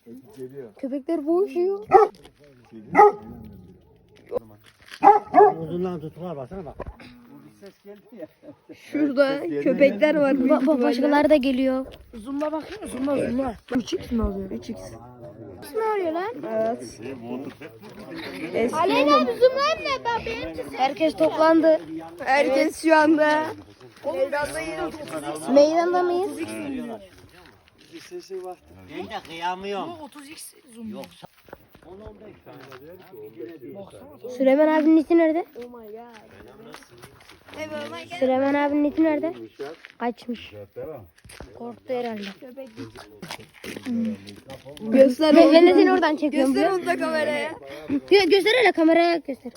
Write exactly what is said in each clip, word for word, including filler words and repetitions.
Köpekler boğuşuyor. Uzundan tutuklar baksana bak. Şurada köpekler var. Ba ba başkaları da geliyor. Zoom'la bakayım, zoom'la zoom'la. üç x mi alıyor? üç x. Ne arıyor lan? Evet. Aleyna abi zoomlayayım mı ben? Herkes toplandı. Herkes şu anda meydandayız. Meydanda mıyız? Ben de kıyamıyorum. otuz x zoom. Yok. Süleyman abinin iti nerede? Oh my god. Süleyman abinin iti nerede? Kaçmış. Korktu herhalde. Göster Ben, onu. ben de seni oradan çekiyorum. Göster biliyor onu da kameraya. musun? Gö göster hele kameraya göster.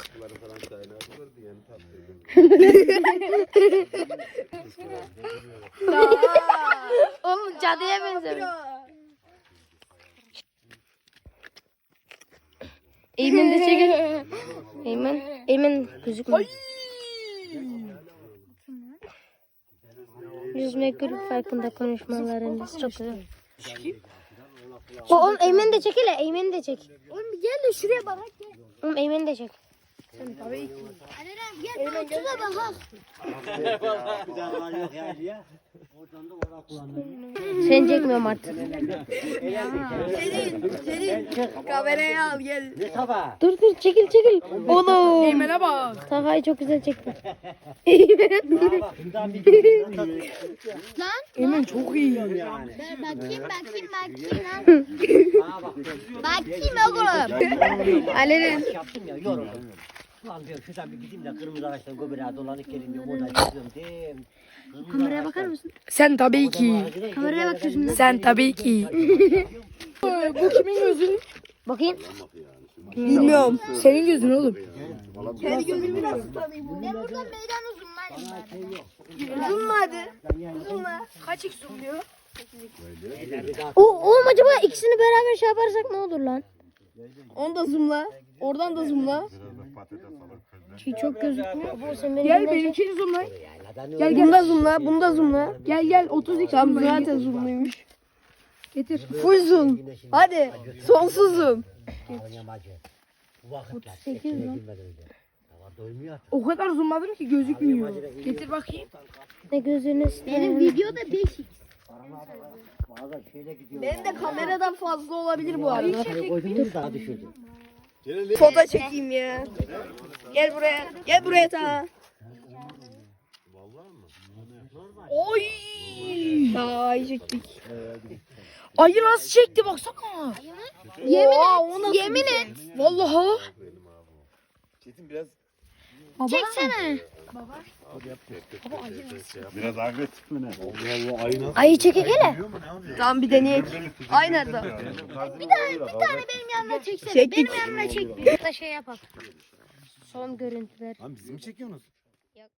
Oğlum cadıya benziyor. Eymen de çekin. Eymen, Eymen gözükmüyor. Yüzme grup farkında konuşmalarınız çok güzel. O, oğlum Eymen de çek hele, Eymen de çek. Oğlum gel de şuraya bak. Oğlum Eymen de çek. Tabii ki. Gel bana şuna bak. Güzel var yok yani ya. Oradan da orak kullandım. Sen çekmiyorum artık. Kameraya al gel. Ne sabah? Dur dur çekil çekil. Oğlum. Eymen'e bak. Takayı çok güzel çekti. Bak bundan bir Lan. Eymen çok iyi. yani. Bakayım bakayım bakayım lan. Bana bak. Bakayım oğlum. Alenen. Yaptım ya yoruldum. Ulan diyorum şuradan bir gideyim de kırmızı ağaçtan göbeğe dolanıp geleyim diyorum. Oradan çıkıyorum değil. Kameraya bakar mısın? Sen tabii ki. Kameraya bak gözümden. Sen tabii ki. Bu kimin gözü? Bakayım. Bilmiyorum. Senin gözün oğlum. Ben buradan meydan uzunlayayım. Zoomla hadi. Zoomla. Kaç x zoomluyor? O oğlum acaba ikisini beraber şey yaparsak ne olur lan? Onu da zoomla. Oradan da zoomla. Şey çok gözükmüyor. Bu sen benim Gel elimden çek. benimkini zoomla. Gel gel. Bunu da zoomla. Bunu da zoomla. Gel gel. otuz x tam zaten zoomluymuş. Getir. Full zoom. Hadi. Sonsuz zoom. Bu vakit ya. sekiz lan. Hava doymuyor artık. O kadar zoomladım ki gözükmüyor. Getir bakayım. Ne gözünüz? Benim videoda beş x. Bazen şeyle gidiyor. Benim de kameradan fazla olabilir bu arada. Koydum daha düşürdü. Foto çekeyim ya. Gel buraya. Gel buraya ta. Oy! Ay çektik. Ayı nasıl çekti baksana. Yemin Oha, et. Yemin et. Vallahi. Çetin biraz Çeksene. biraz agresif mi ne? Allah Allah ayı nasıl? Ayı çekek hele. Tamam bir deneyek. Ay nerede? Bir tane bir tane Benim yanımda çeksene. Çektik. Benim yanımda çek. Bir de şey yapalım. Son görüntüler. Lan bizi mi çekiyorsunuz?